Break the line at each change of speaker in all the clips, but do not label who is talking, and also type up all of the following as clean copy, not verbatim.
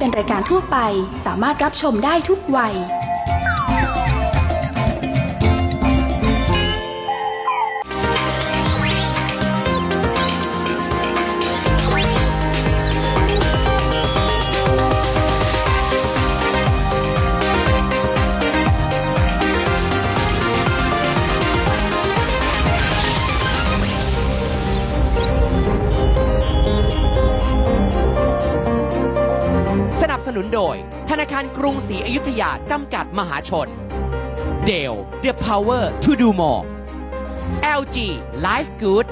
เป็นรายการทั่วไปสามารถรับชมได้ทุกวัย
สนับสนุนโดยธนาคารกรุงศรีอยุธยาจำกัดมหาชน Dell The Power to Do More LG Life Good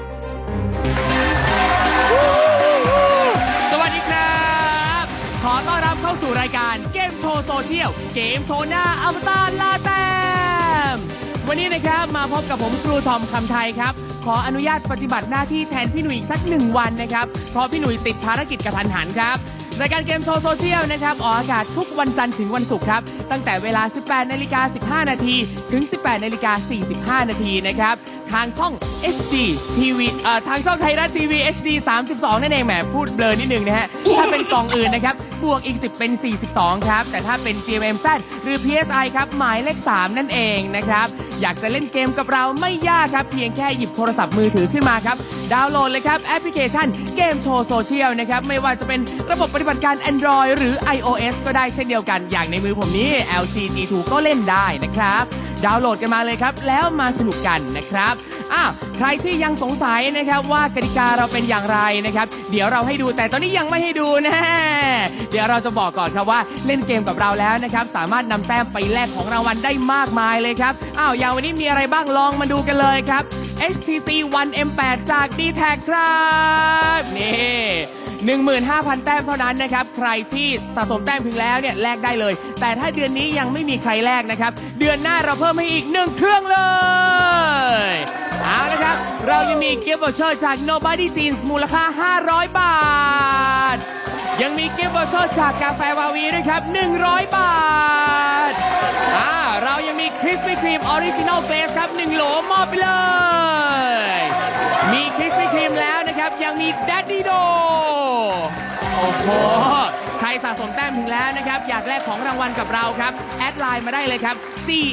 สวัสดีครับขอต้อนรับเข้าสู่รายการเกมโชว์โซเชียลเกมโชว์หน้าอวตารลาแต้มวันนี้นะครับมาพบกับผมครูทอมคำไทยครับขออนุญาตปฏิบัติหน้าที่แทนพี่หนุ่ยสัก1 วันนะครับเพราะพี่หนุ่ยติดภารกิจกระทันหันครับรายการเกมโชว์โซเชียลนะครับออกอากาศทุกวันจันทร์ถึงวันศุกร์ครับตั้งแต่เวลา 18:15 น.ถึง 18:45 น.นะครับทางช่อง HD TV ทางช่องไทยรัฐทีวี HD 32 นั่นเองแหมพูดเบลอนิดนึงนะฮะถ้าเป็นกล่องอื่นนะครับบวกอีก10เป็น42ครับแต่ถ้าเป็น GMMZ หรือ PSI ครับหมายเลข3นั่นเองนะครับอยากจะเล่นเกมกับเราไม่ยากครับเพียงแค่หยิบโทรศัพท์มือถือขึ้นมาครับดาวน์โหลดเลยครับแอปพลิเคชันเกมโชว์โซเชียลนะครับไม่ว่าจะเป็นระบบปฏิบัติการ Android หรือ iOS ก็ได้เช่นเดียวกันอย่างในมือผมนี้ LG G2 ก็เล่นได้นะครับดาวน์โหลดกันมาเลยครับแล้วมาสนุกกันนะครับใครที่ยังสงสัยนะครับว่ากติกาเราเป็นอย่างไรนะครับเดี๋ยวเราให้ดูแต่ตอนนี้ยังไม่ให้ดูนะเดี๋ยวเราจะบอกก่อนครับว่าเล่นเกมกับเราแล้วนะครับสามารถนำแต้มไปแลกของรางวัลได้มากมายเลยครับอย่างวันนี้มีอะไรบ้างลองมาดูกันเลยครับ HTC One M8 จาก D-Tag ครับนี่ 15,000 แต้มเท่านั้นนะครับใครที่สะสมแต้มถึงแล้วเนี่ยแลกได้เลยแต่ถ้าเดือนนี้ยังไม่มีใครแลกนะครับเดือนหน้าเราเพิ่มให้อีก1เครื่องเลยเอาละครับเรายังมีเกิฟต์วอเชอร์จาก Nobody Jeans มูลค่า500 บาทยังมีเกิฟต์วอเชอร์จากกาแฟวาวีด้วยครับ100 บาทเรายังมีคริสปี้ครีมออริจินอลเบสครับ1 โหลมอบไปเลยมีคริสปี้ครีมแล้วนะครับยังมีแดดดี้โดโอ้โหใครสะสมแต้มถึงแล้วนะครับอยากแลกของรางวัลกับเราครับแอดไลน์มาได้เลยครับ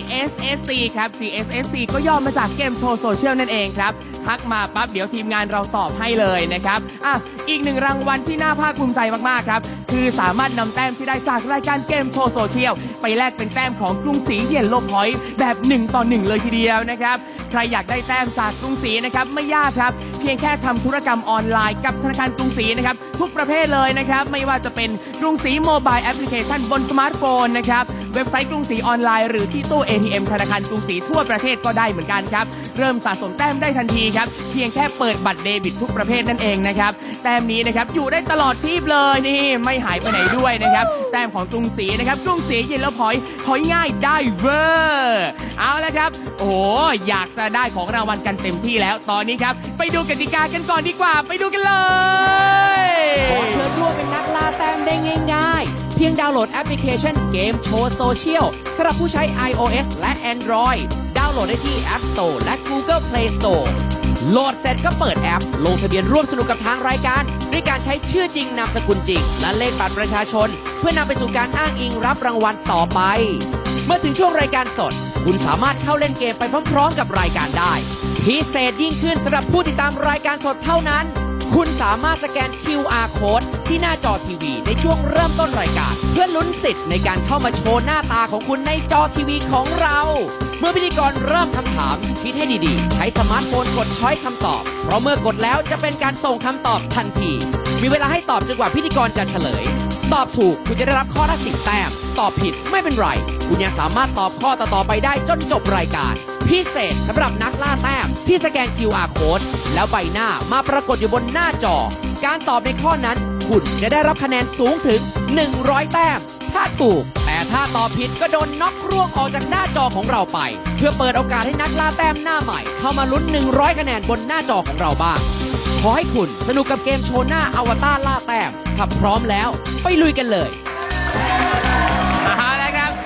CSSC ครับ CSSC ก็ย่อมาจากเกมโชว์โซเชียลนั่นเองครับทักมาปั๊บเดี๋ยวทีมงานเราตอบให้เลยนะครับอีก1รางวัลที่น่าภาคภูมิใจมากๆครับคือสามารถนำแต้มที่ได้จากรายการเกมโชว์โซเชียลไปแลกเป็นแต้มของกรุงศรีเยลโล่พอยต์แบบ1 ต่อ 1เลยทีเดียวนะครับใครอยากได้แต้มจากกรุงศรีนะครับไม่ยากครับเพียงแค่ทำธุรกรรมออนไลน์กับธนาคารกรุงศรีนะครับทุกประเภทเลยนะครับไม่ว่าจะเป็นกรุงศรีโมบายแอปพลิเคชันบนสมาร์ทโฟนนะครับเว็บไซต์กรุงศรีออนไลน์หรือที่ตู้ ATM ธนาคารกรุงศรีทั่วประเทศก็ได้เหมือนกันครับเริ่มสะสมแต้มได้ทันทีครับเพียงแค่เปิดบัตรเดบิตทุกประเภทนั่นเองนะครับแต้มนี้นะครับอยู่ได้ตลอดชีพเลยนี่ไม่หายไปไหนด้วยนะครับแต้มของกรุงศรีนะครับกรุงศรีเย็นแล้วพอยง่ายได้เวอร์เอาละครับโอ้อยากจะได้ของรางวัลกันเต็มที่แล้วตอนนี้ครับไปดูกติกากันก่อนดีกว่าไปดูกันเลย
ขอเชิญร่วมเป็นนักล่าแต้มได้ง่ายๆเพียงดาวน์โหลดแอปพลิเคชันเกมโชว์โซเชียลสำหรับผู้ใช้ iOS และ Android ดาวน์โหลดได้ที่ App Store และ Google Play Store โหลดเสร็จก็เปิดแอปลงทะเบียนร่วมสนุกกับทางรายการด้วยการใช้ชื่อจริงนามสกุลจริงและเลขบัตรประชาชนเพื่อนำไปสู่การอ้างอิงรับรางวัลต่อไปเมื่อถึงช่วงรายการสดคุณสามารถเข้าเล่นเกมไปพร้อมๆกับรายการได้พิเศษยิ่งขึ้นสำหรับผู้ติดตามรายการสดเท่านั้นคุณสามารถสแกน QR Code ที่หน้าจอทีวีในช่วงเริ่มต้นรายการเพื่อลุ้นสิทธิ์ในการเข้ามาโชว์หน้าตาของคุณในจอทีวีของเราเมื่อพิธีกรเริ่มคำถามคิดให้ดีๆใช้สมาร์ทโฟนกดช้อยคำตอบเพราะเมื่อกดแล้วจะเป็นการส่งคำตอบทันทีมีเวลาให้ตอบจนกว่าพิธีกรจะเฉลยตอบถูกคุณจะได้รับข้อละ10 แต้มตอบผิดไม่เป็นไรคุณยังสามารถตอบข้อต่อๆไปได้จนจบรายการพิเศษสำหรับนักล่าแต้มที่สแกน QR Code แล้วใบหน้ามาปรากฏอยู่บนหน้าจอการตอบในข้อนั้นคุณจะได้รับคะแนนสูงถึง100 แต้มถ้าถูกแต่ถ้าตอบผิดก็โดนน็อกร่วงออกจากหน้าจอของเราไปเพื่อเปิดโอกาสให้นักล่าแต้มหน้าใหม่เข้ามาลุ้น100 คะแนนบนหน้าจอของเราบ้างขอให้คุณสนุกกับเกมโชว์หน้าอวตารล่าแต้มถ้าพร้อมแล้วไปลุยกันเลย
เอาละครับต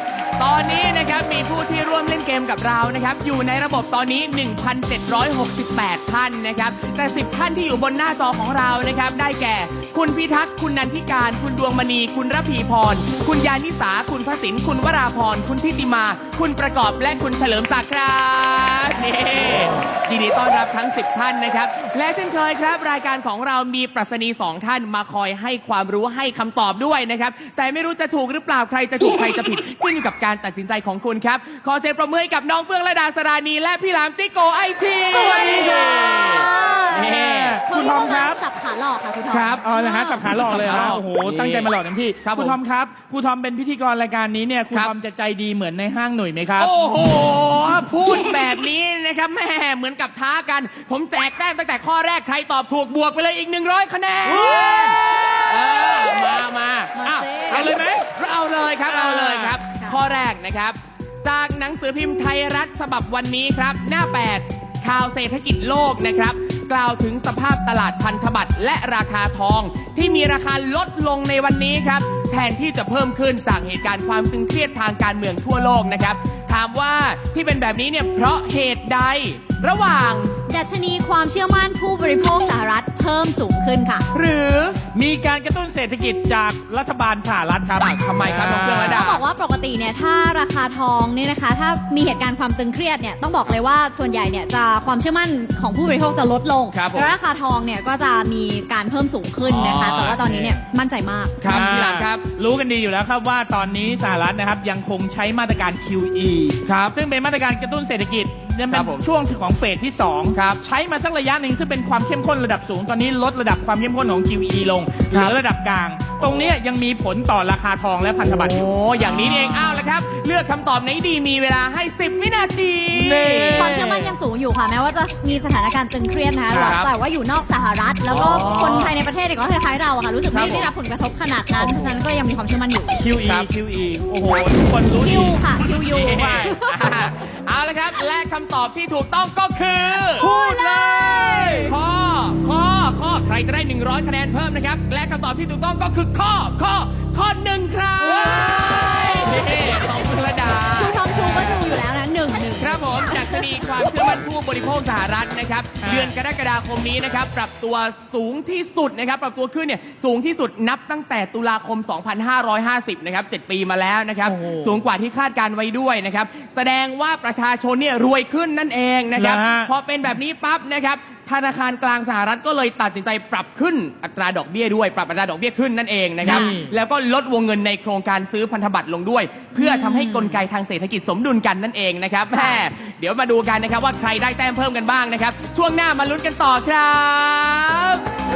อนนี้นะครับมีผู้ที่ร่วมเล่นเกมกับเรานะครับอยู่ในระบบตอนนี้ 1,768 ท่านนะครับแต่10ท่านที่อยู่บนหน้าจอของเรานะครับได้แก่คุณพิทักษ์คุณนันทิการคุณดวงมณีคุณระพีพรคุณยานิสาคุณพระสินคุณวราพรคุณทิติมาคุณประกอบและคุณเฉลิมศักดิ์ครับยินดีต้อนรับทั้ง10ท่านนะครับและเช่นเคยครับรายการของเรามีปรัชนี2ท่านมาคอยให้ความรู้ให้คำตอบด้วยนะครับแต่ไม่รู้จะถูกหรือเปล่าใครจะถูกใครจะผิดขึ้นอยู่กับการตัดสินใจของคุณครับขอเสียงปรบมือให้กับน้องเฟื่องระดาสรานีและพี่หลามจิโกไอทีสวัสดีครับ
คุณทอมครับสับขาหลอกค่ะคุณทอม
ครับ
อ๋อ
นะฮะสับขาหลอกเลยโอ้โหตั้งใจมาหลอกเต็มที่คุณทอมครับคุณทอมเป็นพิธีกรรายการนี้เนี่ยคุณทอมจะใจดีเหมือนในห้างหนุ่ยไหมครับ
โอ้โหพูดแบบนี้นะครับแม่เหมือนกับท้ากันผมแจกแต้มตั้งแต่ข้อแรกใครตอบถูกบวกไปเลยอีก100คะแนนมา
เอาเลยไหม
เอาเลยครับเอาเลยครับข้อแรกนะครับจากหนังสือพิมพ์ไทยรัฐฉบับวันนี้ครับหน้า8ข่าวเศรษฐกิจโลกนะครับกล่าวถึงสภาพตลาดพันธบัตรและราคาทองที่มีราคาลดลงในวันนี้ครับแทนที่จะเพิ่มขึ้นจากเหตุการณ์ความตึงเครียดทางการเมืองทั่วโลกนะครับถามว่าที่เป็นแบบนี้เนี่ยเพราะเหตุใดระหว่าง
ดัชนีความเชื่อมั่นผู้บริโภคสหรัฐเพิ่มสูงขึ้นค่ะ
หรือ
มีการกระตุ้นเศรษฐกิจจากรัฐบาลสหรัฐครับ
ทำไมครับน้องเฟื่องระดา
ต้องบอกว่าปกติเนี่ยถ้าราคาทองเนี่ยนะคะถ้ามีเหตุการณ์ความตึงเครียดเนี่ยต้องบอกเลยว่าส่วนใหญ่เนี่ยจะความเชื่อมั่นของผู้บริโภคจะลดลงแล้วราคาทองเนี่ยก็จะมีการเพิ่มสูงขึ้นนะคะแต่ว่าตอนนี้เนี่ยมั่นใจมาก
ครับพี่หลามครับ
รู้กันดีอยู่แล้วครับว่าตอนนี้สหรัฐนะครับยังคงใช้มาตรการ QE
ครับ
ซึ่งเป็นมาตรการกระตุ้นเศรษฐกิจจะเป็นช่วงของเฟสที่2
ครับ
ใช้มาสักระยะหนึ่งซึ่งเป็นความเข้มข้นระดับสูงตอนนี้ลดระดับความเข้มข้นของ QE ลงเหลือระดับกลางตรงนี้ยังมีผลต่อราคาทองและพันธบัตร
โอ้อย่างนี้เองอ้าวแล้วครับเลือกคำตอบไหนดีมีเวลาให้10วินาที
ความเชื่อมั่นยังสูงอยู่ค่ะแม้ว่าจะมีสถานการณ์ตึงเครียดนะคะแต่ว่าอยู่นอกสหรัฐแล้วก็คนภายในประเทศก็คล้ายๆเราค่ะรู้สึกไม่ได้รับผลกระทบขนาดนั้นเพราะฉะนั้นก็ยังมีความเชื่อมั่นอยู่
QE โอ้โหทุกคนรู้ดี
Q ค่ะ QU
เอาละครับและคำตอบที่ถูกต้องก็คือ
พูดเลย
ข้อใครจะได้100คะแนนเพิ่มนะครับและคำตอบที่ถูกต้องก็คือข้อ1ครับของคุณระดา
คุณทอมชูก็ดูอยู่แล้วนะ1
ครับผมจากคดีความเชื่อมั่นผู้บริโภคสหรัฐนะครับเดือนกรกฎาคมนี้นะครับปรับตัวสูงที่สุดนะครับปรับตัวขึ้นเนี่ยสูงที่สุดนับตั้งแต่ตุลาคม 2550 นะครับ7 ปีมาแล้วนะครับสูงกว่าที่คาดการไว้ด้วยนะครับแสดงว่าประชาชนเนี่ยรวยขึ้นนั่นเองนะครับพอเป็นแบบนี้ปั๊บนะครับธนาคารกลางสหรัฐก็เลยตัดสินใจปรับขึ้นอัตราดอกเบี้ยด้วยปรับอัตราดอกเบี้ยขึ้นนั่นเองนะครับแล้วก็ลดวงเงินในโครงการซื้อพันธบัตรลงด้วยเพื่อทำให้กลไกทางเศรษฐกิจสมดุลกันนั่นเองนะครับแม่เดี๋ยวมาดูกันนะครับว่าใครได้แต้มเพิ่มกันบ้างนะครับช่วงหน้ามาลุ้นกันต่อครับ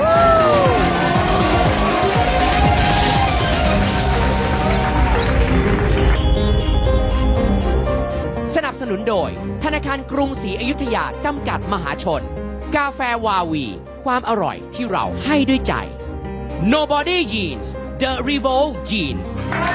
สนับสนุนโดยธนาคารกรุงศรีอยุธยาจำกัดมหาชนกาแฟวาวีความอร่อยที่เราให้ด้วยใจ Nobody Jeans The Revolt Jeans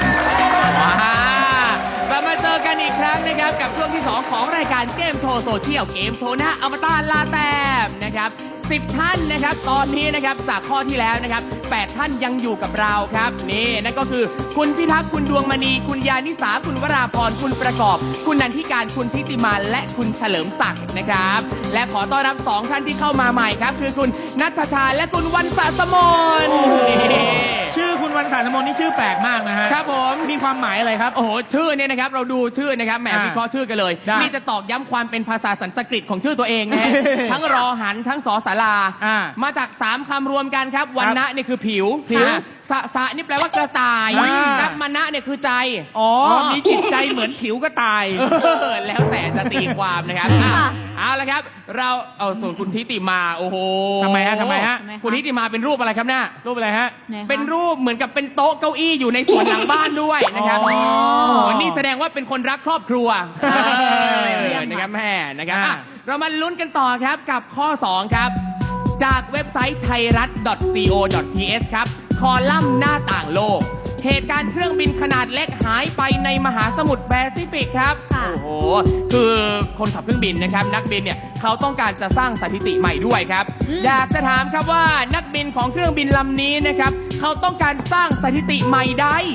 กลับมาเจอกันอีกครั้งนะครับกับช่วงที่ 2 ของรายการเกมโชว์โซเชียลเกมโชว์หน้าอมตะลาแต้มนะครับ10 ท่านนะครับตอนนี้นะครับจากข้อที่แล้วนะครับ8ท่านยังอยู่กับเราครับนี่นั่นก็คือคุณพิทักษ์คุณดวงมณีคุณยานิสาคุณวราพรคุณประกอบคุณนันทิการคุณทิติมาและคุณเฉลิมศักดิ์นะครับและขอต้อนรับ2ท่านที่เข้ามาใหม่ครับคือคุณณัฐชาและคุณวรรณสะสมน
ชื่อคุณวรรณสะสมนนี่ชื่อแปลกมากนะฮะ
ครับผม
มีความหมายอะไรครับ
โอ้โหชื่อเนี่ยนะครับเราดูชื่อนะครับแหมวิเคราะห์ชื่อกันเลยนี่จะตอกย้ำความเป็นภาษาสันสกฤตของชื่อตัวเองนะฮะทั้งรอหันทั้งสอสารามาจาก3คำรวมกันครับวรรณะเนี่ยคือผิวสะนี่แปลว่ากระต่ายครับมณะเนี่ยคือใจ
มีจิตใจเหมือนผิวกระต่าย
แล้วแต่จะตีความนะครับเอาละครับเราเอาส่วนคุณทิติมาโอ้โห
ทำไมฮะ
คุณทิติมาเป็นรูปอะไรครับเนี่ย
รูปอะไรฮะ
เป็นรูปเหมือนกับเป็นโต๊ะเก้าอี้อยู่ในสวนหลังบ้านด้วยนะครับนี่แสดงว่าเป็นคนรักครอบครัวนะครับแม่นะครับเรามาลุ้นกันต่อครับกับข้อ2ครับจากเว็บไซต์ไทยรัฐ .co.th ครับคอลัมน์หน้าต่างโลกเหตุการณ์เครื่องบินขนาดเล็กหายไปในมหาสมุทรแปซิฟิกครับโอ้โหคือคนขับเครื่องบินนะครับนักบินเนี่ยเขาต้องการจะสร้างสถิติใหม่ด้วยครับอยากจะถามครับว่านักบินของเครื่องบินลำนี้นะครับเขาต้องการสร้างสถิติใหม่ใด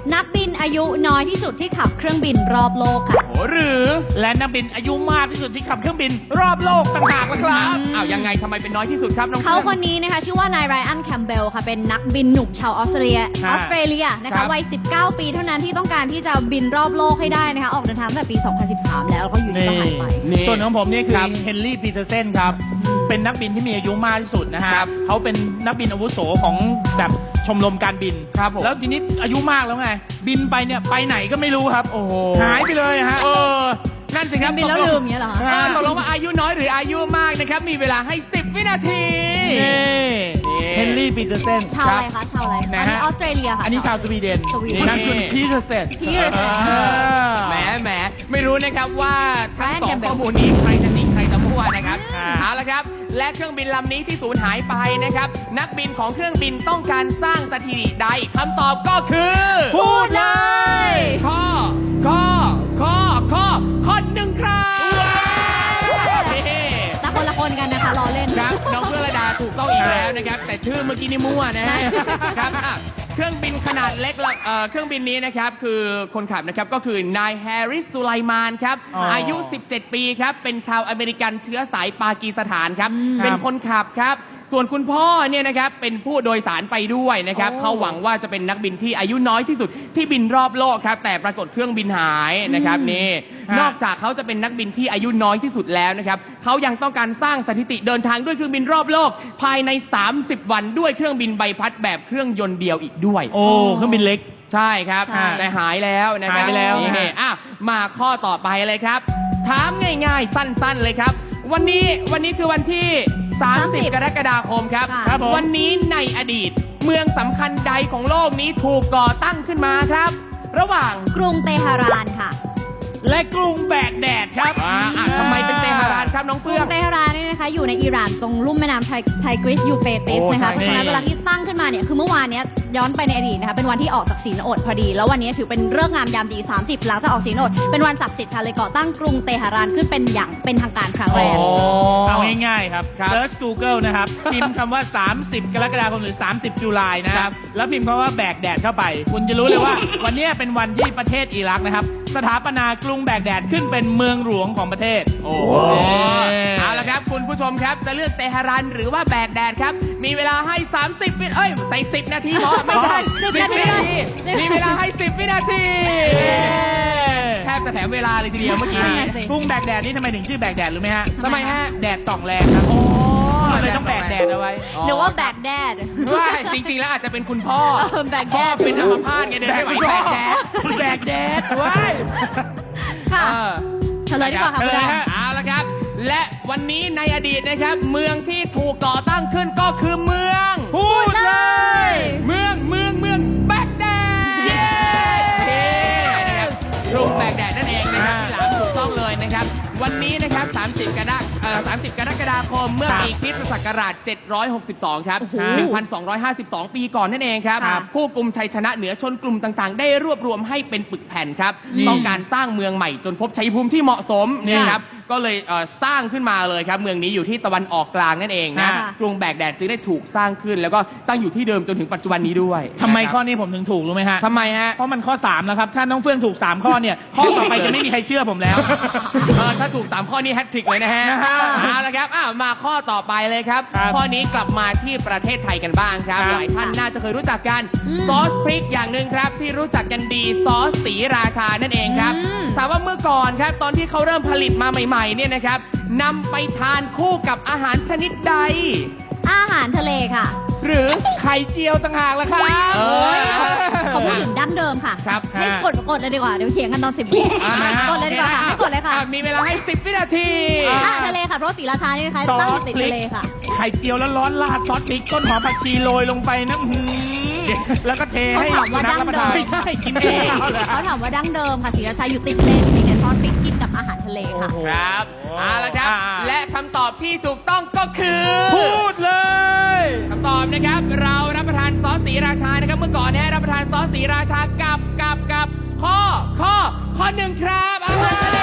นักบินอายุน้อยที่สุดที่ขับเครื่องบินรอบโลกค่ะ
โอ้หรือและนักบินอายุมากที่สุดที่ขับเครื่องบินรอบโลกต่างหากล่ะครับ
อ้าวยังไงทำไมเป็นน้อยที่สุดครับน้อง
เขา
เพื่
ค
อน
นนี้นะคะชื่อว่านายไรอันแคมเบลค่ะเป็นนักบินหนุ่มชาวออสเตรเลียนะ
ครั
คะ
บ
วัย 19 ปีเท่านั้นที่ต้องการที่จะบินรอบโลกให้ได้นะคะออกเดินทางตั้งแต่ปี 2013 แล้วเขาอยู่ดีก็หายไป
ส่วนของผมนี่คือ
ครับ
เฮนรี่ปีเตอร์เซนครับ เป็นนักบินที่มีอายุมากที่สุดนะฮะ
ครับ
เขาเป็นนักบินอาวุโสของแบบชมรมการบิน
ครับผม
แล้วทีนี้อายุมากแล้วไง บินไปเนี่ยไปไหนก็ไม่รู้ครับ
โอ้โห
หายไปเลยฮะ
นั่นสิครับ
บินแล้วลืมอย่างเงี้ยเหรอคะ
ตกลงว่าอายุน้อยหรืออายุมากนะครับ มีเวลาให้ 10 วินาที
นี่
นี่
เฮนรี่ปีเตอร์เซน
ชาวอะไรคะชาวอะไร
นะ
อัน
ฮะ
นี้ออสเตรเลียค่ะ
อันนี้ชาวสวีเดน
สวีเดน
นั่นคุณพีเตอร์เซน
พีเตอร์เซน
แหมไม่รู้นะครับว่าทั้งสอง
Brian Campbell
ข้อมูลนี้ใครจะจริงใครจะมั่วนะครับ
อ่า
เอาละครับ และเครื่องบินลำนี้ที่สูญหายไปนะครับ นักบินของเครื่องบินต้องการสร้างสถิติใดคำตอบก็คือ
พูดเลย
ข้อหนึ่งครับนี่
แต่คนละคนกันนะคะรอเล่น
ครับน้องเพื่อนระดาถูกต้องอีกแล้วนะครับ แต่ชื่อเมื่อกี้นี่มั่วนะฮะครับอ่ะเครื่องบินขนาดเล็กเครื่องบินนี้นะครับคือคนขับนะครับก็คือนายแฮร์ริสสุไลมานครับ
อ๋ออ
อายุ 17 ปีครับเป็นชาวอเมริกันเชื้อสายปากีสถานครับเป็นคนขับครับ ส่วนคุณพ่อเนี่ยนะครับเป็นผู้โดยสารไปด้วยนะครับ
โอ้
เขาหวังว่าจะเป็นนักบินที่อายุน้อยที่สุดที่บินรอบโลกครับแต่ปรากฏเครื่องบินหายนะครับนี่นอกจากเขาจะเป็นนักบินที่อายุน้อยที่สุดแล้วนะครับเขายังต้องการสร้างสถิติเดินทางด้วยเครื่องบินรอบโลก ภายใน 30 วันด้วยเครื่องบินใบพัดแบบเครื่องยนต์เดียวอีกด้วย
โอ้เครื่องบินเล็ก
ใช่ครับ
ใช่
แต่หายแล้วนะครับ
หายไปแล้ว
นี่อ่ะมาข้อต่อไปเลยครับ ถามง่ายๆ สั้นๆเลยครับ วันนี้คือวันที่ 30 กรกฎาคมครับ
ค่ะ
ครับผม
วันนี้ในอดีต เมืองสำคัญใดของโลกนี้ถูกก่อตั้งขึ้นมาครับ ระหว่าง
กรุงเตหะรานค่ะ
และกรุงแบกแดดครับ
ทำไมเป็นเตหะรานครับน้อง
ก
เฟื่
รุ
อง ง
เตหะรานเนี่ยนะคะอยู่ในอิหร่านตรงลุ่มแม่น้ำไทกริสยูเฟรติส
โอ้
นะคะ
ใช่
เพราะฉะนั้นเวลาที่ตั้งขึ้นมาเนี่ยคือเมื่อวานเนี้ยย้อนไปในอดีตนะคะเป็นวันที่ออกจากศีลอดพอดี แล้ววันนี้ถือเป็นฤกษ์งามยามดี 30 หลังจากออกศีลอดเป็นวันศักดิ์สิทธิ์ค่ะเลยก่อตั้งกรุงเตหะรานขึ้นเป็นอย่างเป็นทางการครั้งแรก
เอาง่ายๆครับ
ครับ
Search Google นะครับ พิมพ์คำว่า 30 กรกฎาคมหรือ 30 จุลายนะครับ แล้วพิมพ์คำว่าแบกแดดเข้าไป คุณจะรู้เลยว่า วันเนี้ยเป็นวันที่ประเทศอิรักนะครับ สถาปนากรุงแบกแดดขึ้นเป็นเมืองหลวงของประเทศ
โอ้เอาละครับคุณผู้ชมครับจะเลือกเตหะรันหรือว่าแบกแดดครับ มีเวลาให้ 30 วิใส่10 นาทีเหรอไม่ใช่
10
10 วินาที
10
มีเวลาให้ 10 วินาทีแทบจะแถมเวลาเลยทีเดียวเมื่อกี้
นั่น
นี้
ไงสิ
กรุงแบกแดดนี่ทำไมถึงชื่อแบกแดดรู้ไหมฮะ
ทำไมฮะ
แดดส่องแรงครับ
โอ้
เลยต้องแบกแดดเอาไว้
หรือว่าแบกแดด
ว่าจริงๆแล้วอาจจะเป็นคุณพ่อ
แบก
พ่
แด
อ
ด
เป็นอัมพาตไงเดินไม่ไหวแบกแดด
แบกแดดว้าย
ค่ะ
เออ
เฉลยดีกว่าค่ะ
เฉ
คุณ
ล
แด
ย
ง
ฮะ
เอาละครับ และวันนี้ในอดีตนะครับ เมืองที่ถูกก่อตั้งขึ้นก็คือเมือง
พูดเลย
เมืองแบกแดดเย้นะครับกรุงแบกแดดนั่นเองนะครับที่หลามถูกต้องเลยนะครับ วันนี้นะครับ 30 กรกฎาคมเมื่อปีคริสตศักราช 762 ครับ 1,252 ปีก่อนนั่นเองครับ
ครับ
ผู้กลุ่มชัยชนะเหนือชนกลุ่มต่างๆ ได้รวบรวมให้เป็นปึกแผ่นครับ ต้องการสร้างเมืองใหม่จนพบชัยภูมิที่เหมาะสมเนี่ยครับ ก็เลยสร้างขึ้นมาเลยครับ เมืองนี้อยู่ที่ตะวันออกกลางนั่นเองนะ
ค่ะ
กรุงแบกแดดจึงได้ถูกสร้างขึ้น แล้วก็ตั้งอยู่ที่เดิมจนถึงปัจจุบันนี้ด้วย
ทำไม
นะครับ
ข้อนี้ผมถึงถูกรู้ไหมฮะ
ทำไมฮะ
เพราะมันข้อ 3 แล้วครับ ถ้าน้องเฟื่องถูก 3 ข้อเนี่ย ข้อต่อไปจะไม่มีใครเชื่อผมแล้ว
ถ้าถูก 3 ข้อนี้แฮตทริกเลยนะฮะเอาละครับมาข้อต่อไปเลยครับ
ครับ
ข้อนี้กลับมาที่ประเทศไทยกันบ้างครับ
ครับ
หลายท่านน่าจะเคยรู้จักกัน
อืม
ซอสพริกอย่างหนึ่งครับ ที่รู้จักกันดีซอสศรีราชานั่นเองครับ
อืม
ถามว่าเมื่อก่อนครับตอนที่เขาเริ่มผลิตมาใหม่ๆเนี่ยนะครับนำไปทานคู่กับอาหารชนิดใด
อาหารทะเลค่ะ
หรือ
ไข่เจียวต่างหากแล้วครับ
เออ
เขาพูดถึงดั้งเดิมค่ะ
ครับ
ให้กดเลยดีกว่า เดี๋ยวเถียงกันตอน 10 วิกดเลยดีกว่าค่ะให้กดเลยค่ะ
มีเวลาให้ 10 วินาที
อาหารทะเลค่ะ เพราะศรีราชานี่นะคะ
ซอส
ตั้งอยู่ติดทะเลค่ะ
ไข่เจียวแล้วร้อนราดซอสพริกต้นหอมผักชีโรยลงไปนะอื้อหือแล้วก็เทให้
เขาถามว่า
นักรับประทาน
ดั้งเดิม
ไม่ใช่กินเองเอาเหรอ
เขาถามว่าดั้งเดิมค่ะศรีราชาอยู่ติดทะเลมีไงซอสพริกกินกับอาหารทะเลค่ะ
ครับ
โอ้
เอาละครับ และคำตอบที่ถูกต้องก็คือ
พูดเลย
คำตอบนะครับ เรารับประทานซอสศรีราชานะครับ เมื่อก่อนเนี่ยรับประทานซอสศรีราชากับข้อหนึ่งครับอาหารทะเล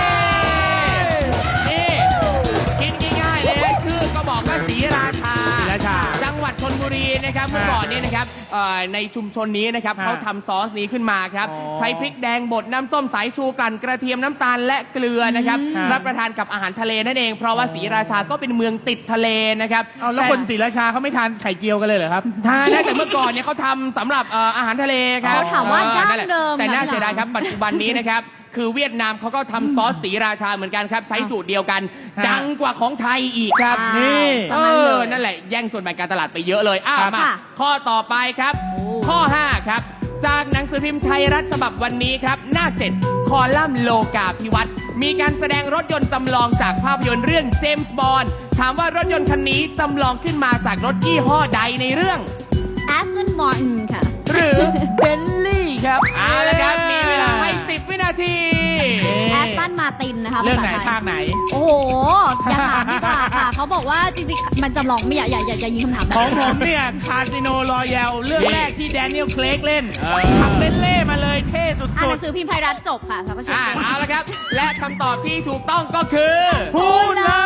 นี่กินง่ายๆเลยนะชื่อก็บอกว่าศรีราชา
ศรีราชา
จังหวัดชลบุรีนะครับเมื่อก่อนเนี่ยนะครับในชุมชนนี้นะครับเขาทำซอสนี้ขึ้นมาครับใช้พริกแดงบดน้ำส้มสายชูกลั่นกระเทียมน้ำตาลและเกลือนะครับรับประทานกับอาหารทะเลนั่นเองเพราะว่าศรีราชาก็เป็นเมืองติดทะเลนะครับ
เอาแล้วคนศรีราชาเขาไม่ทานไข่เจียวกันเลยเหรอครับ
ทานได้แต่เมื่อก่อนเนี่ยเขาทำสำหรับอาหารทะเลครับ
เขาถามว่าดั้งเดิม
แต่น่า
ค่ะ
เสียดายครับปัจจุบันนี้นะครับคือเวียดนามเขาก็ทำซอสศรีราชาเหมือนกันครับใช้สูตรเดียวกัน
ฮะ
ดังกว่าของไทยอีกครับ
นี่
สมัยเลย
นั่นแหละแย่งส่วนแบ่งการตลาดไปเยอะเลยมา
ค่ะ
ข้อต่อไปครับ ข้อ 5 ครับ จากหนังสือพิมพ์ไทยรัฐฉบับวันนี้ครับ หน้า 7 คอลัมน์โลกาภิวัตน์มีการแสดงรถยนต์จำลองจากภาพยนตร์เรื่องเจมส์บอนด์ถามว่ารถยนต์คันนี้จำลองขึ้นมาจากรถยี่ห้อใดในเรื่อง
Aston Martin ค่ะ
หรือ
เบนลี่ครับ
เอาละครับ มีเวลาให้ 10 วินาที
Aston Martin นะคะ
เรื่องไหน
ภษทย
ภาคไหน
โอ้โห อย่าถามดีกว่าค่ะ เขาบอกว่าจริงๆ มันจำลองไม่อย่ายิงคำถามแบบ
ของ
นั้น
ผมเนี่ยคาสิโนรอยัลเรื่องแรกที่แดเนียลเคลกเล่นขับเบนเล่มาเลยเท่สุ
อ่านหนั
ด
งสือพิมพ์ไทยรัฐจบค่ะท่านผู้ชม
เอาละครับ และคำตอบที่ถูกต้องก็คือ
ๆพูดเลย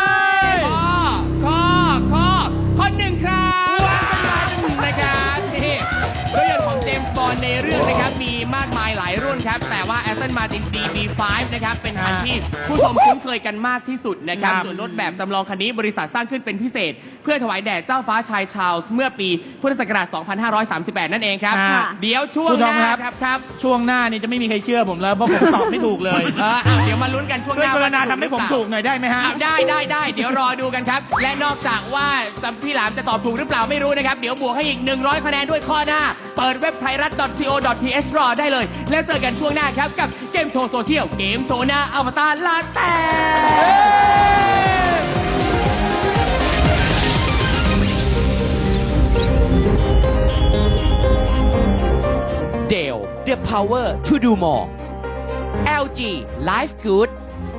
ข้อหนึ่งครับนะครับนี่รถยนต์ของเจมส์บอนด์ในเรื่องนะครับมีมากมายหลายรุ่นครับ แต่ว่า Aston Martin DB5 นะครับเป็นคันที่ผู้ชมคุ้นเคยกันมากที่สุดนะครับ
ครับ
ส่วนรถแบบจำลองคันนี้บริษัทสร้างขึ้นเป็นพิเศษ เพื่อถวายแด่เจ้าฟ้าชายชาร์ลส์เมื่อปีพุทธศักราช 2538 นั่นเองครับ
ค่ะ
เดี๋ยวช่วง
คุณ
ห
ทอม
น้า
ครับ
ครับ
ช่วงหน้านี่จะไม่มีใครเชื่อผมแล้วเพราะผมตอบไม่ถูกเลย
เดี๋ยวมาลุ้นกันช่วงห
ช่วย
น้าก
รุณา
ว่จะ
ทำให้ผมถูกหน่อยได้ไหมฮะ
ได้เดี๋ยวรอดูกันครับ และนอกจากว่าพี่หลามจะตอบถูกหรือเปล่าไม่รู้นะครับ เดี๋ยวบวกให้อีก 100 คะแนนด้วยข้อหน้า เปิดเว็บไทยรัฐ .co.th รอได้เลย แล้วเจอกันช่วงหน้าครับ กับเกมโชว์โซเชียลเกมโชว์หน้าอวตารลาแต่
Dell the power to do more LG Life Good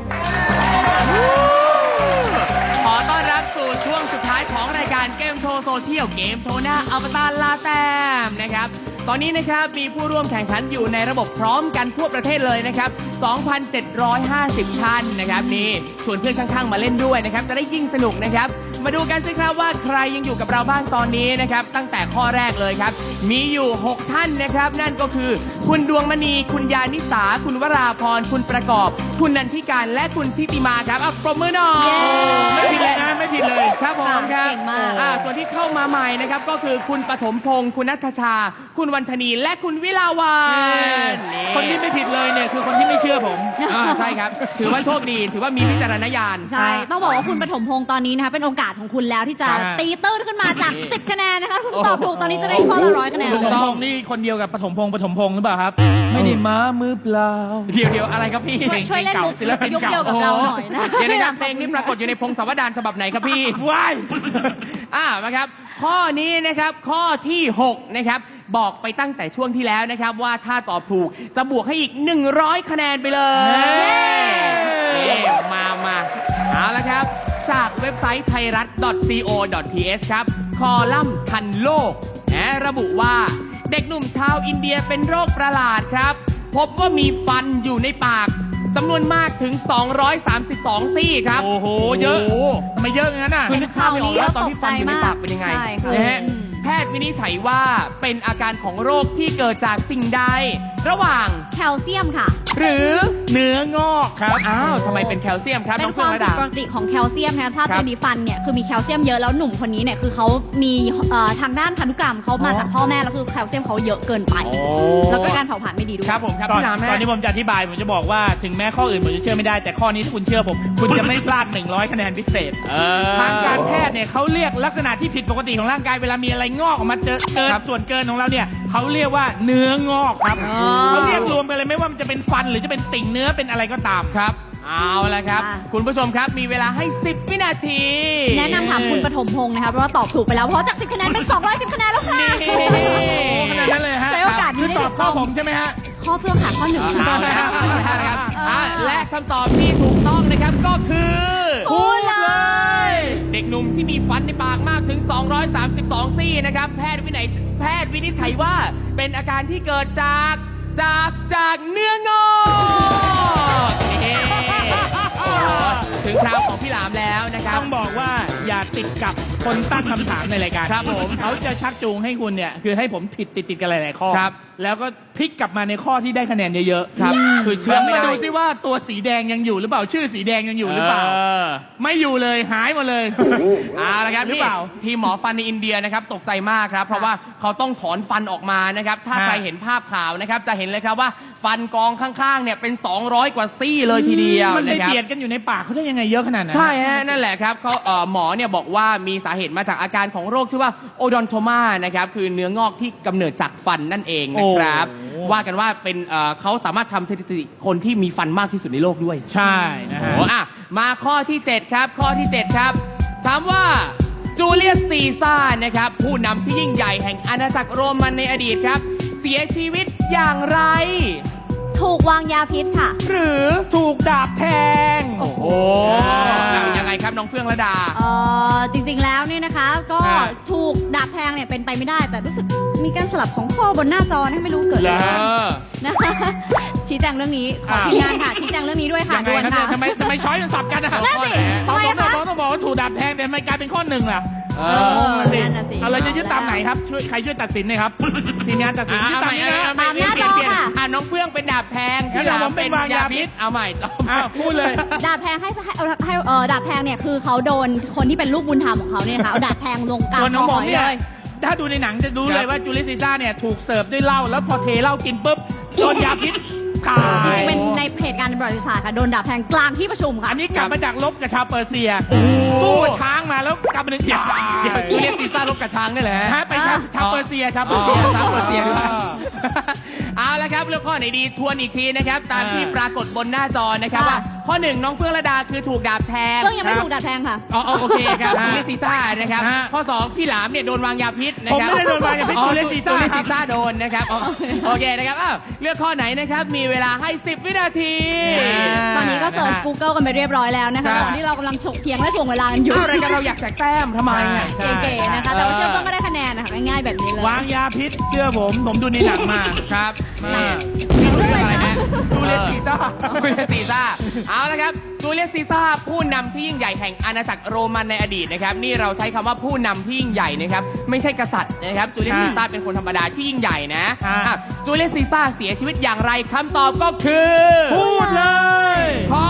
ขอต้อนรับสู่ช่วงสุดท้ายของรายการเกมโชว์โซเชียลเกมโชว์หน้าอวตารลาแต้มนะครับ ตอนนี้นะครับมีผู้ร่วมแข่งขันอยู่ในระบบพร้อมกันทั่วประเทศเลยนะครับ 2,750 ท่านนะครับนี่ชวนเพื่อนข้างๆมาเล่นด้วยนะครับจะได้ยิ่งสนุกนะครับ มาดูกันสิครับว่าใครยังอยู่กับเราบ้างตอนนี้นะครับตั้งแต่ข้อแรกเลยครับมีอยู่ 6 ท่านนะครับนั่นก็คือคุณดวงมณีคุณยานิสาคุณวราพรคุณประกอบ คุณนันทิการและคุณทิติมาครับปรบมือหน่อย
ไม่ผิดเลยนะไม่ผิดเลย
ครับผมครับ
เก่งมาก
ส่วนที่เข้ามาใหม่นะครับก็คือคุณปฐมพงศ์คุณนัทชา คุณวันธนีและคุณวิลาวันนี่
คนที่ไม่ผิดเลยเนี่ยคือคนที่ไม่เชื่อผม
ใช่ครับ ถือว่าโชคดี ถือว่ามีวิจารณญาณ
ใช่ ต้องบอกว่าคุณปฐมพงศ์ตอนนี้นะคะเป็นโอกาสของคุณแล้วที่จะ
ครับ
ตีตื้นขึ้นมาจาก 10 คะแนนนะคะคุณตอบถูกตอนนี้จะได้ข้อละ100 คะแนน
ป
เล
ฐ
ย
มพงศ์นี่คนเดียวกับปฐมพงศ์หรือเปล่าครับ ไม่ได้มามือเปล่า
เดี๋ยวอะไรครับพี่
ช่วยเล่นมุก
ศิลปิน
ยุค
เก่า
เดียวกับเราหน่อยนะ
เดี๋ยวนะครับเพลงนี้ปรากฏอยู่ในพงศาวดารฉบับไหนครับพี่
ว้าย
มาครับ ข้อนี้นะครับข้อที่ 6 นะครับ บอกไปตั้งแต่ช่วงที่แล้วนะครับ ว่าถ้าตอบถูกจะบวกให้อีก 100 คะแนนไปเลยมาเอาละครับ จากเว็บไซต์ไทยรัฐ .co.th ครับ คอลัมน์ทันโลกระบุว่าเด็กหนุ่มชาวอินเดียเป็นโรคประหลาดครับ พบว่ามีฟันอยู่ในปากจำนวนมากถึง 232 ซี่ครับ
โอ้โหเยอะทำไมเยอะงั้นน่ะ
คือนึกภาพไม่ออกว่าตอนที่ฟันอยู่ในปากเป็นยังไง
ใช่ค่ะ
นะฮะแพทย์วินิจฉัยว่าเป็นอาการของโรคที่เกิดจากสิ่งใด ระหว่าง
แคลเซียมค่ะ
หรือ
เนื้องอกครับ
ทำไมเป็นแคลเซียมครับ
เป็
น้อง
นค
เฟื่อ
วาง ม
ระ
ผิด
ดา
ปกติของแคลเซียมนะคะถ้า
ครับ
เป็นดีฟันเนี่ยคือมีแคลเซียมเยอะแล้วหนุ่มคนนี้เนี่ยคือเขามีทางด้านพันธุกรรมเขามาจากพ่อแม่แล้วคือแคลเซียมเขาเยอะเกินไป แล้วก็การเผาผลาญไม่ดีด้วย
ครับผมครับ
ตอน
พี่หลาม
ตอนนี้ผมจะอธิบายผมจะบอกว่าถึงแม้ข้ออื่นผมจะเชื่อไม่ได้แต่ข้อนี้ถ้าคุณเชื่อผม คุณจะไม่พลาด 100 คะแนนพิเศษ ทางการแพทย์เนี่ยเขาเรียกลักษณะที่ผิดปกติของร่างกายเวลามีอะไรงอกออกมาเกินส่วนเกินของเราเนี่ยเขาเรียกว่าเนื้องอกครับ
อ๋อ
เขาเรียกรวมกันเลยไม่ว่ามันจะเป็นฟันหรือจะเป็นติ่งเนื้อเป็นอะไรก็ตาม
ครับเอาละครับ
ค่ะ
คุณผู้ชมครับมีเวลาให้ 10 วินาที
แนะนำถามคุณปฐมพงศ์นะคะเพราะว่าตอบถูกไปแล้วเพราะจาก 10 คะแนนเป็น 210 คะแนนแล้วค่ะ
นี่
ขนาดนั้นเลยฮะ
ใช้โอกาสนี้
คือ
ได้
ตอ
ถู
บ
ก
ข้
ต้
อ
อง
ผมใช่ไหมฮะ
ข้อเฟื่องค่ะข้อหนึ่ง
เอาละครับและคำตอบที่ถูกต้องนะครับก็คือ
พูดเลย
เด็กหนุ่มที่มีฟันในปากมากถึง 232 ซี่นะครับ แพทย์วินิจฉัยว่าเป็นอาการที่เกิดจากเนื้องอกนี่โอ้โหถึงคราวของพี่หลามแล้วนะครับ
ต้องบอกว่าอย่าติดกับคนตั้งคำถามในรายการ
ครับผม
เขาจะชักจูงให้คุณเนี่ยคือให้ผมผิดติดกันหลายๆข้อ
ครับ
แล้วก็พลิกกลับมาในข้อที่ได้คะแนนเยอะๆ
ครับคือเชื่อไม่ได้
มาดูซิว่าตัวสีแดงยังอยู่หรือเปล่าชื่อสีแดงยังอยู่หรือเปล่า ไม่อยู่เลยหายหมดเลย
เอาละครับ
หรือ
นี่
เปล่า
ทีมหมอฟันในอินเดียนะครับตกใจมากครับ เพราะว่าเขาต้องถอนฟันออกมานะครับ ถ้า
ฮะ
ใครเห็นภาพข่าวนะครับ จะเห็นเลยครับว่าฟันกองข้างๆเนี่ยเป็น 200 กว่าซี่เลยทีเดียว
มันไป
นะครับ
เบียดกันอยู่ในปากเขาได้ยังไงเยอะขนาดนั้น
ใช่ฮะนั่นแหละครับเขาหมอเนี่ยบอกว่ามีสาเหตุมาจากอาการของโรคชื่อว่าโอดอนโทมานะครับคือเนื้องอกที่กำเนิดจากฟันนั่นเองนะครับ
โอ้
ว่ากันว่าเป็นเขาสามารถทำสถิติคนที่มีฟันมากที่สุดในโลกด้วย
ใช่นะฮะ
โอ้อ่ะมาข้อที่ 7 ครับ ข้อที่ 7 ครับ ถามว่าจูเลียสซีซ่าร์นะครับ ผู้นำที่ยิ่งใหญ่แห่งอาณาจักรโรมันในอดีตครับ เสียชีวิตอย่างไร
ถูกวางยาพิษค่ะ
หรือ
ถูกดาบแทง
โอ้โหยังไงครับน้องเฟื่องระดา
จริงๆแล้วเนี่ยนะคะก็
ฮะ
ถูกดาบแทงเนี่ยเป็นไปไม่ได้ แต่รู้สึกมีการสลับของข้อบนหน้าจอนะไม่รู้เกิดอะไร
เหร
ขึ้น
อ
นะคะ ชี้แจงเรื่องนี้ขอทีมงานค่ะชี้แจงเรื่องนี้ด้วยค่ะ
ยังไง
ด่วน
ครับ
ค่ะ
เนี่ยทำไมช้อยมันสับกันอะ
นั่นสิ
ตอน
ทำไม
ต้
คะ
องบอกว่าถูกดาบแทงแต่ทำไมกลายเป็นข้อหนึ่งล่ะ
เอ
นั่นน่ะสิ
เอาเราจะยึดตามไหนครับช่วยใครช่วยตัดสินหน่อยครับทีมงานตัดสินยึดตามนี้นะ
ตามหน้าจอค่ะ
น้องเฟื่องเป็นดาบแทง
งั้น
พี่หลาม
ผมเป็นวางยาพิษ
เอาใหม่
อ้าวพูดเลย
ดาบแทงให้ดาบแทงเนี่ยคือเขาโดนคนที่เป็นลูกบุญธรรมของเขาเนี่ยนะคะเอาดาบแทงลงกลาง
ส่วน
ค
น้
อ
อง
ห
บอ
อก ย
เนี่ย
เลย
ถ้าดูในหนังจะรู้เลยว่าจูเลียสซีซ่าร์เนี่ยถูกเสิร์ฟด้วยเหล้าแล้วพอเทเหล้ากินปุ๊บโดนยาพิษตา
จริ
ย
งๆเป็นในเหตุการณ์ประวัติศาสตร์ค่ะโดนดาบแทงกลางที่ประชุมค่ะ
อันนี้กลับมาจากลบกับชาวเปอร์เซียสู้กับช้างมาแล้วกลับมาหนึ่งเดียว
เดี๋ยวจูเลียสซีซ่าร์ลบกับช้างได้แหละ
ฮะไปชาวเปอร์เซียชาวเปอร์เซีย
ชาวเปอร์เซียเอาละครับเรื่องข้อไหนดีทวนอีกทีนะครับ ตามที่ปรากฏบนหน้าจอนะครับ
ค่ะ
ว่าข้อ 1 น้องเฟื่องระดาคือถูกดาบแทง
เรื่องยังไม่ถูกดาบแทงค่ะ
อ๋อโอเคครับจูเลียสซีซ่าร์นะครับ
ฮะ
ข้อ 2 พี่หลามเนี่ยโดนวางยาพิษนะ
ผม
ครับ
ไม่ได้โดนวางยาพิษ
อ๋อ
จูเลียสซีซ่าร์
จูเลียสซีซ่าร์โดนนะครับอ๋อโอเคนะครับอ้าวเลือกข้อไหนนะครับมีเวลาให้ 10 วินาที
ตอนนี้ก็เสิร์ช Google กันไปเรียบร้อยแล้วนะคะ
ครับ
ตอนที่เรากำลังฉกเถียงและถ่วงเวลากันอยู่
อ้าวรายการเราอยากแจกแต้มทำไมอ่ะ
ใช่
เก๋ๆนะคะ แต่ว่าเชื่อมต้นก็ได้คะแนนนะคะง่ายๆแบบนี้เลย
วางยาพิษเชื่อผมดูในหนังมา
ครับ
มา
เรื่องอะไรนะ
จูเลียสซีซ่าร์
จูเลียสซีซ่าร์เอาละครับจูเลียสซีซ่าร์ผู้นำที่ยิ่งใหญ่แห่งอาณาจักรโรมันในอดีตนะครับนี่เราใช้คำว่าผู้นำที่ยิ่งใหญ่นะครับไม่ใช่กษัตริย์นะครับจูเลียสซีซ่าร์เป็นคนธรรมดาที่ยิ่งใหญ่นะอ่ะจูเลียสซีซ่าร์เสียชีวิตอย่างไรคำตอบก็คือ
พูดเลย
ข้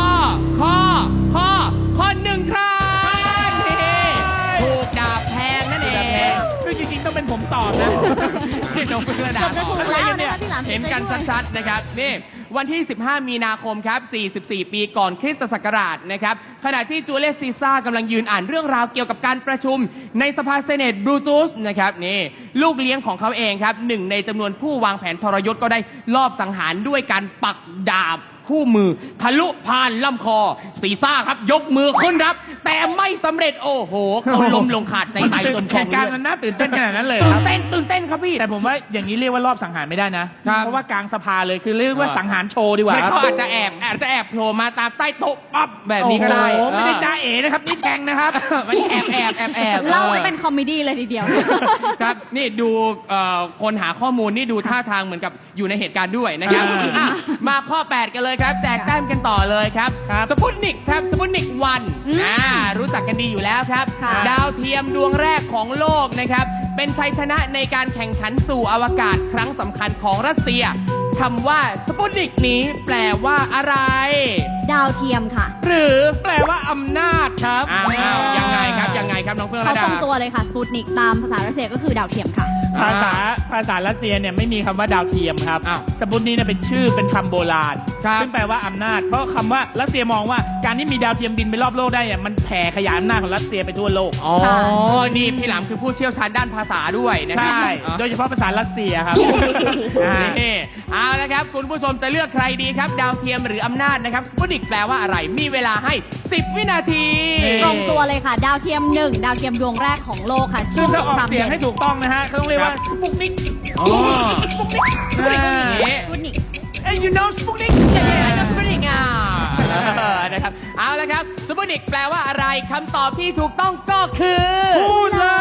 อหนึ่งครับนี่ถูกดาบแทงนั่นเอง
ซึ่งจริงๆต้องเป็นผมตอบนะ
ที่น้องเฟื่องระดา
เกือบจะถูกแล้วนะคะพี่หลาม
เห็นกันชัดๆนะครับนี่วันที่ 15 มีนาคมครับ 44 ปีก่อนคริสตศักราชนะครับขณะที่จูเลียสซีซ่าร์กำลังยืนอ่านเรื่องราวเกี่ยวกับการประชุมในสภาเซเนตบรูตุสนะครับนี่ลูกเลี้ยงของเขาเองครับหนึ่งในจำนวนผู้วางแผนทรยศก็ได้ลอบสังหารด้วยการปักดาบคู่มือทะลุผ่านลำคอซีซ่าร์ครับยกมือขึ้นรับ แต่ไม่สำเร็จโอ้โหเขาล้มลงขาดใจตายจมก
เห
อง
ตุการณ์
เลื
มั
อด
นน่าตื่นเต้นขนาดนั้นเลย
ตื่
คน รับ
เต้นครับพี่
แต่ผมว่าอย่างนี้เรียกว่ารอบสังหารไม่ได้นะ เพราะว่ากลางสภาเลยคือเรียกว่าสังหารโชว์ดีกว่า
ไม่
ครับ
เขาอาจจะแอบโผล่มาตามใต้โต๊ะปั๊บแบบนี้ก็ได้
โอ้โหไม่ได้จ้าเอ๋นะครับนี่แทงนะครับ
มันแอบ
เล่าจะเป็นคอมเมดี้เลยทีเดียว
ครับนี่ดูคนหาข้อมูลนี่ดูท่าทางเหมือนกับอยู่ในเหตุการณ์ด้วยนะครับอ่ะมาข้อ 8 กันเลยครับ แจกแต้มกันต่อเลยครับ
ครับ
สปุตนิกครับสปุตนิกวัน
อืม
รู้จักกันดีอยู่แล้วครับ
ค่ะ
ดาวเทียมดวงแรกของโลกนะครับ เป็นชัยชนะในการแข่งขันสู่อวกาศครั้งสำคัญของรัสเซียคำว่าสปุตนิกนี้แปลว่าอะไร
ดาวเทียมค่ะ
หรือ
แปลว่าอำนาจครับ
อ้าวยังไงครับน้องเฟื่อง
เขา
ระดา
ตรงตัวเลยค่ะสปูตนิกตามภาษารัสเซียก็คือดาวเทียมค่ะ
ภาษารัสเซียเนี่ยไม่มีคำว่าดาวเทียมครับ
อ้าว
สปุตนี้เนี่ยเป็นชื่อเป็นคำโบราณ
ครับ
ซึ่งแปลว่าอำนาจ เพราะคำว่ารัสเซียมองว่าการที่มีดาวเทียมบินไปรอบโลกได้เนี่ยมันแผ่ขยายอำนาจของรัสเซียไปทั่วโลก
อ๋อ
ค่ะ
นี่พี่หลามคือผู้เชี่ยวชาญด้านภาษาด้วยนะครั
ใช่
อ๋อ
โดยเฉพาะภาษารัสเซียครับ
นี่เอาละครับคุณผู้ชมจะเลือกใครดีครับ ดาวเทียมหรืออำนาจนะครับสปุตนิกแปลว่าอะไร มีเวลาให้ 10 วินาที
ตรงตัวเลยค่ะ ดาวเทียม 1 ดาวเทียมดวงแรกของโลกค่ะ
ซึ่
ช่
ง
วง
ถ้า
ส
อง อก
คราม
เสียง
เย็น
ให้ถูกต้องนะฮะเขาต้องเรียกว่าสปุกนิก
อ๋อสปุตนิก
สปูตนิก
เอ้ย you know สปุกนิก
สปุตนิกนะครับเอาละครับสปุตนิกแปลว่าอะไรคำตอบที่ถูกต้องก็คือ
พูดเลย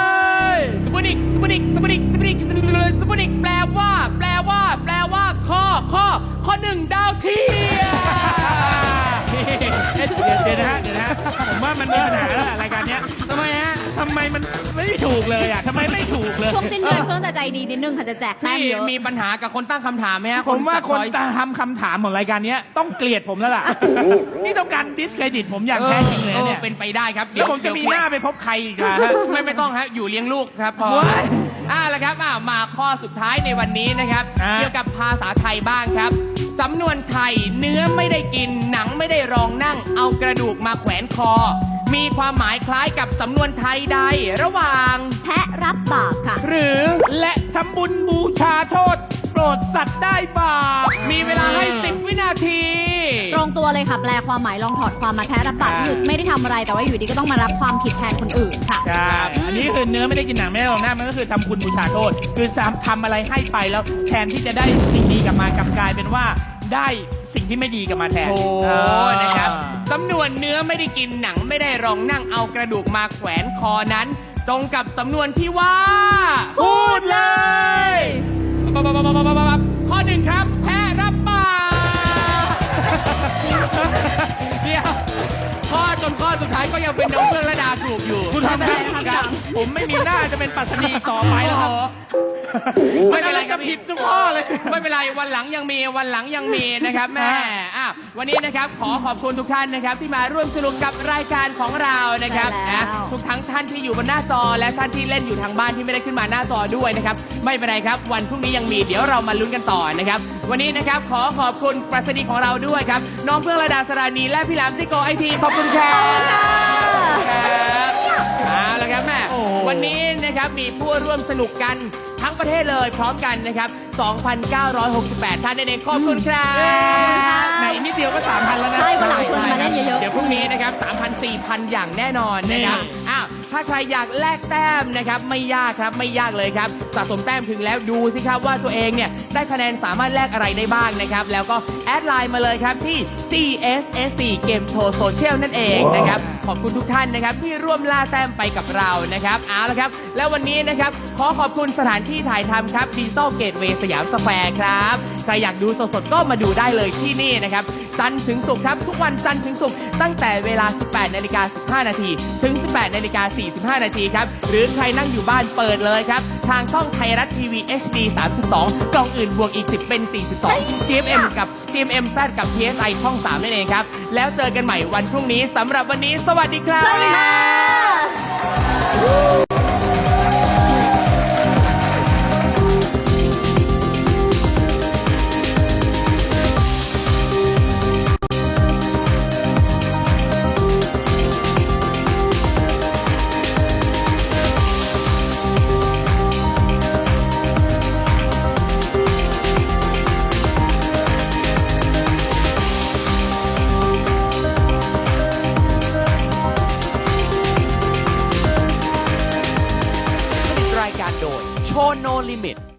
สปุตนิกแปลว่าข้อ 1 ดาวเทียม
เดี๋ยวนะฮะมันไม่ถูกเลยอ่ะทำไมไม่ถูกเลย
ช่วงสิ้นเดือนเพื่อนจะใจดีนิดนึงค่ะจะแจกแต้ม
พี่
เยอะ
มีปัญหากับคนตั้งคำถามไหมฮะ
ผมว่า
จัด
คน
ช้อยส์
จะทำคำถามของรายการเนี้ยต้องเกลียดผมแล้วล่ะ นี่ต้องการดิสเครดิตผมอย่างแท้จริงเลยเนี่ย
เป็นไปได้ครับ
แล้วผมจะมีหน้าไปพบใครอีกล่ะฮะ
ไม่ต้องฮะอยู่เลี้ยงลูกครับพอ
ว้าย
แล้วครับมาข้อสุดท้ายในวันนี้นะครับ
อ่า
เกี่ยวกับภาษาไทยบ้างครับสำนวนไทยเนื้อไม่ได้กินหนังไม่ได้รองนั่ง เอากระดูกมาแขวนคอ มีความหมายคล้ายกับสำนวนไทยใดระหว่าง
แพะรับบาปค่ะ
หรือ
และทำบุญบูชาโทษ โปรดสัตว์ได้บาป
มีเวลาให้ 10 วินาที
ตรงตัวเลยค่ะแปลความหมายลองถอดความมาแพ้รับบาปคือไม่ได้ทำอะไรแต่ว่าอยู่ดีก็ต้องมารับความผิดแทนคนอื่นค่ะ
ใช่ อันนี้คือเนื้อไม่ได้กินหนังไม่ได้ลองหน้ามันก็คือทำคุณบูชาโทษ คือทำอะไรให้ไปแล้วแทนที่จะได้สิ่งดีกลับมากลับกลายเป็นว่าได้สิ่งที่ไม่ดีกลับมาแทน
โอ้นะครับสำนวนเนื้อไม่ได้กินหนังไม่ได้รองนั่งเอากระดูกมาแขวนคอนั้น ตรงกับสำนวนที่ว่า
พูดเลย
ข้อหนึ่งครับ แพ้รับบาปเดี๋ยวข้อสุดท้ายก็ยังเป็นน้องเฟื่องระดาถูกอยู่
คุณทำ
ไม่เป็นไรนะครับ
ผมไม่มีหน้าจะเป็นปัสนีต่อไปแล้วครับ
ไม่เป็นไรค
จะ
รับ
ผิดทุกข้อเลย
ไม่เป็นไรวันหลังยังมีนะครับแม่วันนี้นะครับขอขอบคุณทุกท่านนะครับที่มาร่วมสนุกกับรายการของเรานะครับ
ใช่แล้ว
ทุกทั้งท่านที่อยู่บนหน้าจอและท่านที่เล่นอยู่ทางบ้านที่ไม่ได้ขึ้นมาหน้าจอด้วยนะครับไม่เป็นไรครับวันพรุ่งนี้ยังมีเดี๋ยวเรามาลุ้นกันต่อนะครับวันนี้นะครับขอขอบคุณปรัชนีของเราด้วยครับน้องเฟื่องระดาสรานีและพี่หลามซิโกไอทีขอบคุณครับครับเอาละครับแม่
โอ้โห
วันนี้นะครับมีผู้ร่วมสนุกกันทั้งประเทศเลยพร้อมกันนะครับ 2,968 ท่านนั่นเองขอบคุณครับ
ไหนนิดเดียวก็ 3,000 แล้วนะ
ใช่วันหลังชวนมาเล่นเยอะๆ
เดี๋ยวพรุ่งนี้นะครับ 3,000 4,000 อย่างแน่นอนนะครับ
นี่
ถ้าใครอยากแลกแต้มนะครับไม่ยากครับไม่ยากเลยครับสะสมแต้มถึงแล้วดูสิครับว่าตัวเองเนี่ยได้คะแนนสามารถแลกอะไรได้บ้างนะครับแล้วก็แอดไลน์มาเลยครับที่ CSSC Game Show Social นั่นเองนะครับขอบคุณทุกท่านนะครับที่ร่วมล่าแต้มไปกับเรานะครับเอาละครับแล้ววันนี้นะครับขอขอบคุณสถานที่ถ่ายทำครับดิจิตอลเกตเวย์สยามสแควร์ครับใครอยากดูสดๆก็มาดูได้เลยที่นี่นะครับจันทร์ถึงศุกร์ครับทุกวันจันทร์ถึงศุกร์ตั้งแต่เวลา 18:15 นาทีถึง 18:45 นาทีครับหรือใครนั่งอยู่บ้านเปิดเลยครับทางช่องไทยรัฐทีวี HD 32กล่องอื่นบวกอีก10เป็น42 GMM กับ GMM Z กับ PSI ช่อง 3 นั่นเองครับแล้วเจอกันใหม่วันพรุ่งนี้สำหรับวันนี้สวัสดีครับ
สวัสดีค่ะ
รายการโดยโชว์โนลิมิต